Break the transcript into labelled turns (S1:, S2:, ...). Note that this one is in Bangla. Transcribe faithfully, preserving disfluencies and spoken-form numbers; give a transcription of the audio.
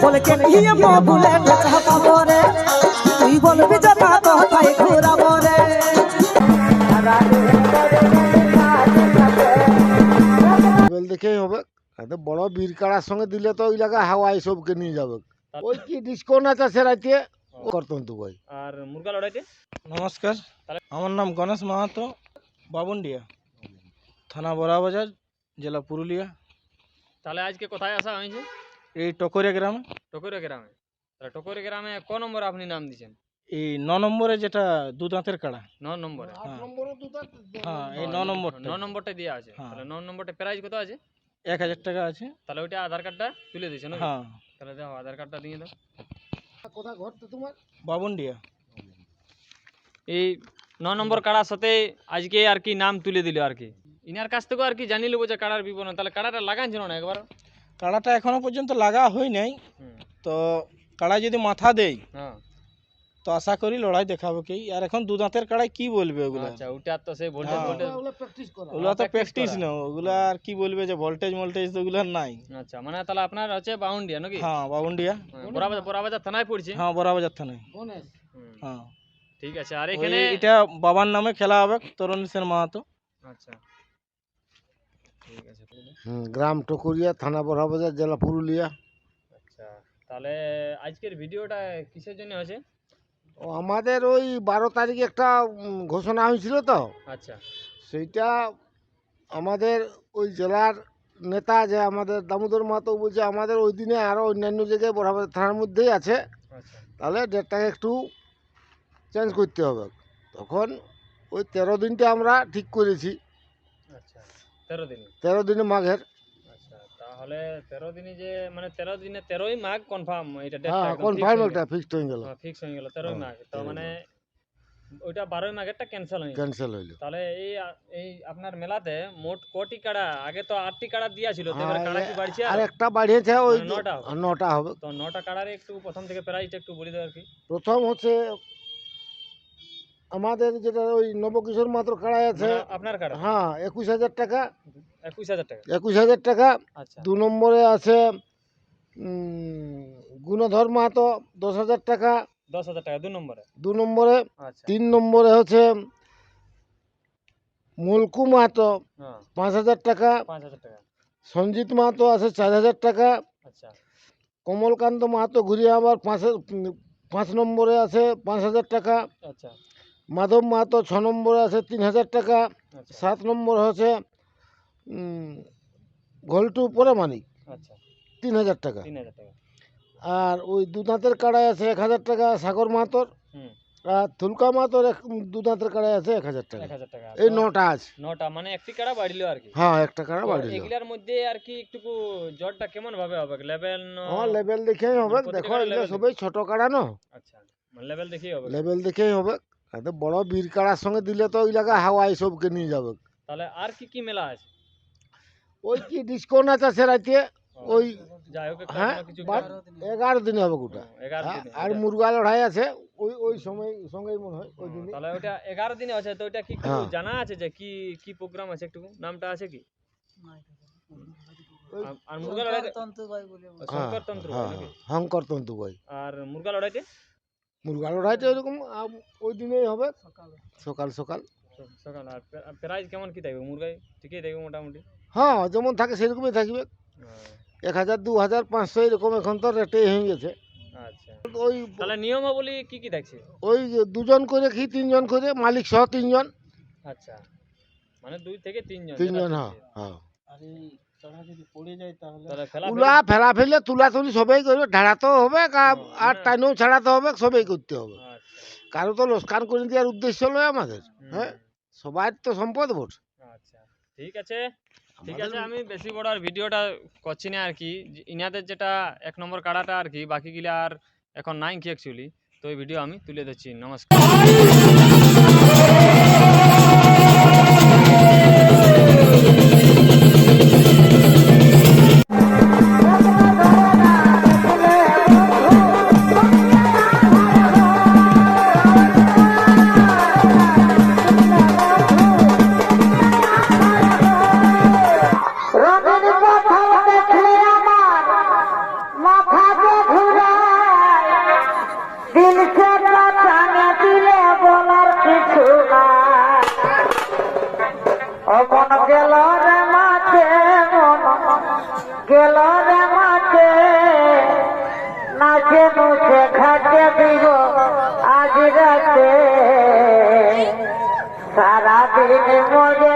S1: বলে কেন ইয়ে মবুলে বেচা পাবো রে তুই বলবি যে তা তো তাই ঘুরাবো রে
S2: লেভেল দেখেই হবে। এত বড় বীর কাড়ার সঙ্গে দিলে তো ওই জায়গায় হাওয়া সবকে নিয়ে যাবে। ওই কি ডিসকাউন্ট আছে সে রাইতে করতন্তু ভাই।
S3: আর মুরগা লড়াইতে
S4: নমস্কার, আমার নাম গণেশ মাহাতো, বাবুন্ডিয়া, থানা বড়াবাজার, জেলা পুরুলিয়া।
S3: তাহলে আজকে কোথায় আসা হয়েছে?
S4: এই টকরিয়া গ্রামে।
S3: টকরিয়া গ্রামে। তাহলে টকরিয়া গ্রামে ক নম্বর আপনি নাম দিয়েছেন?
S4: এই ন নম্বরে যেটা দু দাঁতের কাড়া।
S3: ন নম্বরে।
S4: হ্যাঁ, এই ন নম্বর
S3: ন নম্বরটা দেওয়া আছে। তাহলে ন নম্বরটা প্রাইস কত আছে?
S4: এক হাজার টাকা আছে।
S3: তাহলে ওইটা আধার কার্ডটা তুলে দিয়েছে নাকি?
S4: হ্যাঁ।
S3: তাহলে দাও আধার কার্ডটা দিয়ে দাও।
S2: কোথা ঘর তো তোমার?
S4: বাবুন্ডিয়া।
S3: এই ন নম্বর কাড়ার সাথে আজকে আর কি নাম তুলে দিল আর কি। ইনার কাছ থেকে আর কি জানি নেবো যে কাড়ার বিবরণ। তাহলে কাড়াটা লাগানছিল না একবার?
S4: কাড়াটা এখনো পর্যন্ত লাগা হয় নাই, তো কাড়া যদি মাথা দেয়
S3: হ্যাঁ
S4: তো আশা করি লড়াই দেখাবো কি। আর এখন দু দাঁতের কাড়াই কি বলবে ওগুলো?
S3: আচ্ছা, ওটা তো সেই ভোল্টেজ ভোল্টেজ
S2: ওগুলো প্র্যাকটিস করা।
S4: ওগুলো তো প্র্যাকটিস না, ওগুলো আর কি বলবে যে ভোল্টেজ ভোল্টেজ তো ওগুলো নাই।
S3: আচ্ছা, মানে তাহলে আপনার হচ্ছে বাউন্ডিয়া নাকি?
S4: হ্যাঁ, বাবুন্ডিয়া।
S3: বড়াবাজার বড়াবাজার থানায় পড়ছে।
S4: হ্যাঁ, বড়াবাজার থানায়।
S2: গণেশ
S4: হ্যাঁ,
S3: ঠিক আছে। আর এখানে
S4: এটা বাবার নামে খেলা হবে, তরুণ সেন মাহাতো।
S3: আচ্ছা, ঠিক আছে।
S2: হুম, গ্রাম টকরিয়া, থানা বড়াবাজার, জেলা পুরুলিয়া।
S3: আচ্ছা, তাহলে আজকের ভিডিওটা কিসের জন্য হয়েছে?
S2: ও আমাদের ওই বারো তারিখে একটা উম, ঘোষণা হয়েছিল তো,
S3: আচ্ছা
S2: সেইটা আমাদের ওই জেলার নেতা যে আমাদের দামোদর মাহাতো বলছে আমাদের ওই দিনে আরও অন্যান্য জায়গায় বড়াবাজার থানার মধ্যেই আছে,
S3: আচ্ছা
S2: তাহলে ডেটটাকে একটু চেঞ্জ করতে হবে। তখন ওই তেরো দিনটা আমরা ঠিক করেছি,
S3: আচ্ছা তেরো দিন।
S2: তেরো দিনে মাঘের।
S3: আচ্ছা, তাহলে তেরো দিনে যে মানে তেরো দিনে তেরোই মাঘ কনফার্ম, এটা
S2: হ্যাঁ, কনফার্ম একটা ফিক্সড হয়ে গেল,
S3: ফিক্স হয়ে গেল তেরোই
S2: হ্যাঁ,
S3: মাঘ। তো
S2: তেরোই
S3: মানে ওইটা বারোই মাঘেরটা ক্যান্সেল হয়ে গেল।
S2: ক্যান্সেল হইল।
S3: তাহলে এই এই আপনার মেলাতে মোট কটি কাড়া? আগে তো আটটি কাড়া দিয়া ছিল, তো এবার
S2: হ্যাঁ,
S3: কাড়া কি বাড়ছে?
S2: আর একটা বাড়িয়েছে ওই
S3: মানে নটা হবে।
S2: নটা হবে।
S3: তো নটা কাড়ার একটু প্রথম থেকে প্রাইসটা একটু বলে দাও আর কি।
S2: প্রথম হচ্ছে আমাদের যেটা ওই নবকিশোর মাত্র কাড়াই আছে,
S3: মানে আপনার কাড়া
S2: হ্যাঁ, একুশ হাজার টাকা।
S3: একুশ হাজার টাকা।
S2: একুশ হাজার টাকা।
S3: আচ্ছা
S2: দু নম্বরে আছে উম, গুণধর মাহাতো, দশ হাজার টাকা।
S3: দশ হাজার টাকা দু নম্বরে।
S2: দু নম্বরে।
S3: আচ্ছা
S2: তিন নম্বরে হচ্ছে মুলকু মাহাতো,
S3: হ্যাঁ,
S2: পাঁচ হাজার টাকা।
S3: পাঁচ হাজার টাকা।
S2: সঞ্জিত মাহাতো আছে চার হাজার টাকা।
S3: আচ্ছা
S2: কমলকান্ত মাহাতো ঘুরিয়ে আবার পাঁচ পাঁচ নম্বরে আছে পাঁচ হাজার টাকা।
S3: আচ্ছা
S2: মাধব মাহাতো ছ নম্বরে আছে তিন হাজার টাকা।
S3: আচ্ছা
S2: সাত নম্বর হচ্ছে উম, ঘোলটু পরামানিক,
S3: আচ্ছা
S2: তিন হাজার টাকা।
S3: তিন হাজার টাকা।
S2: আর ওই দু দাঁতের কাড়াই আছে এক হাজার টাকা সাগর মাহাতোর।
S3: হুম,
S2: আর থুলকা মাহাতোর এক দু দাঁতের কাড়াই আছে এক হাজার টাকা।
S3: এক হাজার টাকা।
S2: এই
S3: তো
S2: নটা আছে।
S3: নটা মানে একটি কাড়া বাড়িলো আর কি।
S2: হ্যাঁ, একটা কাড়া
S3: তো
S2: বাড়িল।
S3: এগুলার মধ্যে আর কি একটু জটটা কেমন ভাবে হবে? লেভেল?
S2: হ্যাঁ, লেভেল দেখেই হবে।
S3: প্রতিটা
S2: দেখো
S3: কাড়ার
S2: এগুলো
S3: level
S2: সবাই ছোট কাড়া না,
S3: আচ্ছা, মানে লেভেল দেখেই হবে।
S2: লেভেল দেখেই হবে। এত বড় বীর কাড়ার সঙ্গে দিলে তো ওই জায়গায় হাওয়া সবকে নিয়ে যাবে।
S3: তাহলে আর কি কি মেলা আছে?
S2: ওই কি ডিসকাউন্ট আছে সে রাইতে ওই
S3: যাই হোক একটা
S2: হ্যাঁ
S3: কোনো কিছু
S2: বাট এগারো দিনে হবে গোটা।
S3: ও, এগারো
S2: হ্যাঁ,
S3: দিনে।
S2: আর
S3: ওটা-
S2: মুরগা লড়াই আছে ওই ওই সময় সঙ্গেই মনে হয় ওই
S3: ও,
S2: দিনে।
S3: তাহলে ওটা এগারো দিনে আছে। তো ওটা কি একটু
S2: হ্যাঁ।
S3: জানা আছে যে কি কি প্রোগ্রাম আছে? একটু নামটা আছে কি?
S2: ওই
S3: আর- আর মুরগা লড়াইতে
S2: হ্যাঁ,
S3: শঙ্কর তন্ত্র
S2: হ্যাঁ,
S3: নাকি?
S2: হংকর তন্তু ভাই।
S3: আর মুরগা লড়াইতে
S2: মুরগা লড়াইটা এরকম আম- ওই দিনেই হবে সকাল সকাল।
S3: স- সকাল। আর প্রাইস কেমন কি থাকবে? মুরগাই ঠিকই থাকবে মোটামুটি?
S2: হ্যাঁ, যেমন থাকে সেরকমই থাকবে। এক হাজার দু হাজার পাঁচশো এরকম এখন তো রেটেই হয়ে গেছে।
S3: আচ্ছা,
S2: ওই
S3: তাহলে নিয়মাবলী কি কি থাকছে?
S2: ওই দুজন করে কি তিনজন করে মালিক সহ তিনজন।
S3: আচ্ছা, মানে দুই থেকে তিনজন।
S2: তিনজন
S3: যেটা
S2: হ্যাঁ
S3: থাকছে।
S2: হ্যাঁ।
S4: আর এই কাড়া যদি পড়ে যায় তাহলে
S3: তাহলে ফেলা
S2: তুলা ফেলা ফেলে তুলা তুলি সবাই করবে, ঢাড়াতেও হবে কা- আর
S3: মানে-
S2: টাইনেও ছাড়াতে হবে, সবাই করতে হবে।
S3: আচ্ছা
S2: কারো তো লোকসান করে দেওয়ার উদ্দেশ্য নয় আমাদের।
S3: হুম,
S2: হ্যাঁ, সবার তো সম্পদ ভোট।
S3: আচ্ছা ঠিক আছে ঠিক আছে। আমি বেশি বড় আর ভিডিওটা করছি না আর কি। যে ইনাদের যেটা এক নম্বর কাড়াটা আর কি, বাকিগুলা আর এখন নাই কি অ্যাকচুয়ালি। তো এই ভিডিও আমি তুলে দিচ্ছি। নমস্কার।
S1: রবির কথা দেখলে আমার মাথা
S5: ও মন গেল রে মাঠে, মন গেল রে মাঠে, নাচে নুচে খাটে দিব আজ রাতে, সারাদিন মজে